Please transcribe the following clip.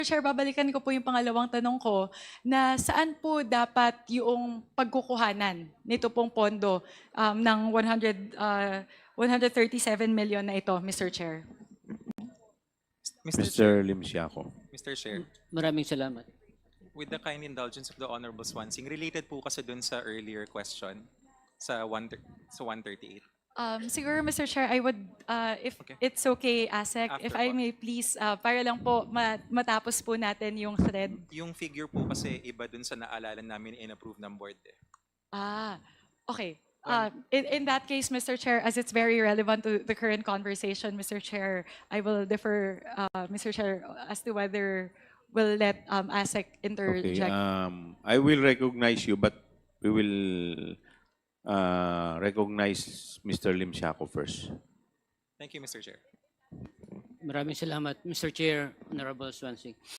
Chair, babalikan ko po yung pangalawang tanong ko na saan po dapat yung pagkukuhanan nito pong pondo ng 137 million na ito, Mr. Chair? Mr. Chair, Mr. Lim Siako. Mr. Chair, Maraming salamat. with the kind indulgence of the Honorable Swansing, related po kasi dun sa earlier question sa 138. Siguro, Mr. Chair, I would, if Okay. it's okay, ASEC, if After I po. may please, para lang po matapos po natin yung thread. Yung figure po kasi iba dun sa naalala namin in-approve ng board eh. Okay. In that case, Mr. Chair, as it's very relevant to the current conversation, Mr. Chair, I will defer, Mr. Chair, as to whether we'll let ASEC Okay. interject. I will recognize you, but we will recognize Mr. Lim Siako first. Thank you, Mr. Chair. Maraming salamat, Mr. Chair, Honorable Swansing.